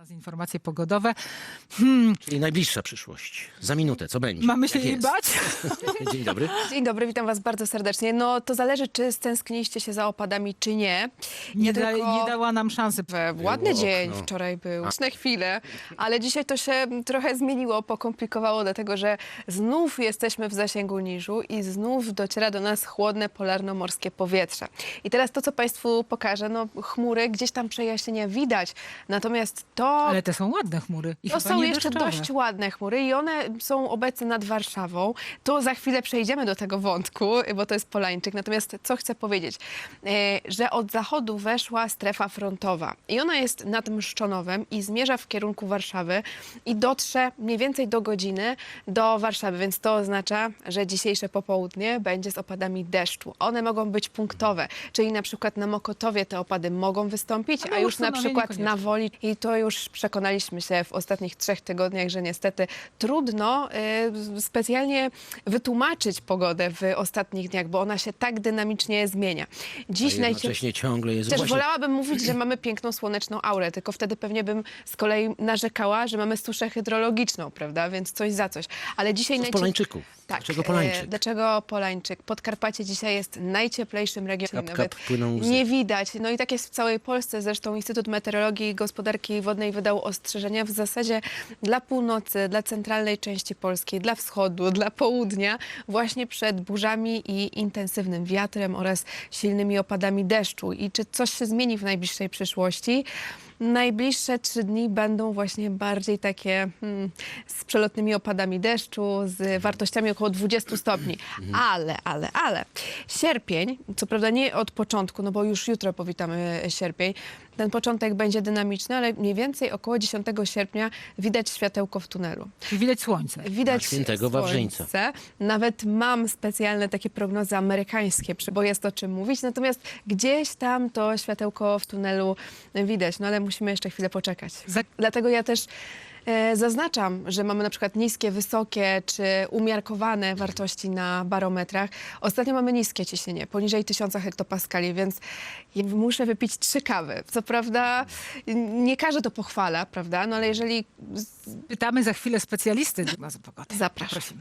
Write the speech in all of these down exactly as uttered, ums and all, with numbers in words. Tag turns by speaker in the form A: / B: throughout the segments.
A: Teraz informacje pogodowe. Hmm,
B: Czyli najbliższa przyszłość. Za minutę, co będzie?
A: mamy się
B: Jak
A: jej
B: jest?
A: bać?
B: Dzień dobry.
C: Dzień dobry, witam was bardzo serdecznie. No to zależy, czy stęskniliście się za opadami, czy nie.
A: Nie, da,
C: tylko-
A: nie dała nam szansy.
C: W ładny
B: Było
C: dzień
B: okno.
C: wczoraj był, na chwilę, ale dzisiaj to się trochę zmieniło, pokomplikowało, dlatego że znów jesteśmy w zasięgu niżu i znów dociera do nas chłodne polarno-morskie powietrze. I teraz to, co Państwu pokażę, no chmury, gdzieś tam przejaśnienia widać, natomiast to...
A: Ale te są ładne chmury. I
C: To
A: chyba
C: są
A: nie
C: jeszcze
A: deszczowe.
C: dość ładne chmury i one są obecne nad Warszawą. To za chwilę przejdziemy do tego wątku, bo to jest Polańczyk. Natomiast co chcę powiedzieć, e, że od zachodu weszła strefa frontowa i ona jest nad Mszczonowem i zmierza w kierunku Warszawy i dotrze mniej więcej do godziny do Warszawy, więc to oznacza, że dzisiejsze popołudnie będzie z opadami deszczu. One mogą być punktowe, czyli na przykład na Mokotowie te opady mogą wystąpić,
A: A na
C: a już na
A: Ursynowie
C: przykład
A: niekoniecznie.
C: na Woli i to już przekonaliśmy się w ostatnich trzech tygodniach, że niestety trudno y, specjalnie wytłumaczyć pogodę w ostatnich dniach, bo ona się tak dynamicznie zmienia. Dziś
B: A jednocześnie ciągle jest
C: Też
B: właśnie...
C: wolałabym mówić, że mamy piękną słoneczną aurę, tylko wtedy pewnie bym z kolei narzekała, że mamy suszę hydrologiczną, prawda? Więc coś za coś. Ale dzisiaj
B: Co z
C: najcie-
B: Polańczyków?
C: Tak.
B: Dlaczego
C: e,
B: Polańczyk?
C: Dlaczego Polańczyk? Podkarpacie dzisiaj jest najcieplejszym regionem.
B: Kap,
C: Nawet
B: kap, płyną łzy.
C: nie widać. No i tak jest w całej Polsce. Zresztą Instytut Meteorologii i Gospodarki Wodnej wydał ostrzeżenia w zasadzie dla północy, dla centralnej części Polski, dla wschodu, dla południa, właśnie przed burzami i intensywnym wiatrem oraz silnymi opadami deszczu. I czy coś się zmieni w najbliższej przyszłości? Najbliższe trzy dni będą właśnie bardziej takie hmm, z przelotnymi opadami deszczu, z wartościami około dwudziestu stopni. Ale, ale, ale sierpień, co prawda nie od początku, no bo już jutro powitamy sierpień, ten początek będzie dynamiczny, ale mniej więcej około dziesiątego sierpnia widać światełko w tunelu.
A: Czyli widać słońce.
C: Widać
B: Na świętego Wawrzyńca.
C: słońce. Nawet mam specjalne takie prognozy amerykańskie, bo jest o czym mówić. Natomiast gdzieś tam to światełko w tunelu widać. No ale musimy jeszcze chwilę poczekać.
A: Za-
C: Dlatego ja też e, zaznaczam, że mamy na przykład niskie, wysokie czy umiarkowane wartości na barometrach. Ostatnio mamy niskie ciśnienie, poniżej tysiąca hektopaskali, więc ja muszę wypić trzy kawy. Co prawda nie każdy to pochwala, prawda? No ale jeżeli
A: Pytamy za chwilę specjalisty do pogody.
C: Zapraszam.
A: Prosimy.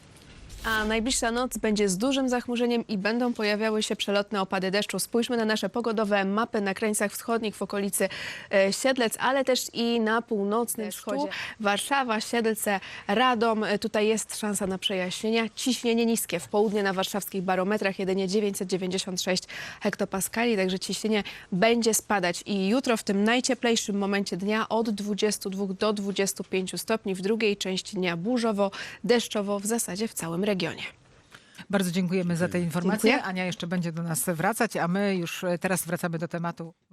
C: A najbliższa noc będzie z dużym zachmurzeniem i będą pojawiały się przelotne opady deszczu. Spójrzmy na nasze pogodowe mapy na krańcach wschodnich w okolicy e, Siedlec, ale też i na północnym wschodzie. Warszawa, Siedlce, Radom. E, Tutaj jest szansa na przejaśnienia. Ciśnienie niskie w południe na warszawskich barometrach jedynie dziewięćset dziewięćdziesiąt sześć hektopaskali, także ciśnienie będzie spadać. I jutro w tym najcieplejszym momencie dnia od dwudziestu dwóch do dwudziestu pięciu stopni. W drugiej części dnia burzowo, deszczowo w zasadzie w całym regionie.
A: Bardzo dziękujemy za te informacje.
C: Dziękuję.
A: Ania jeszcze będzie do nas wracać, a my już teraz wracamy do tematu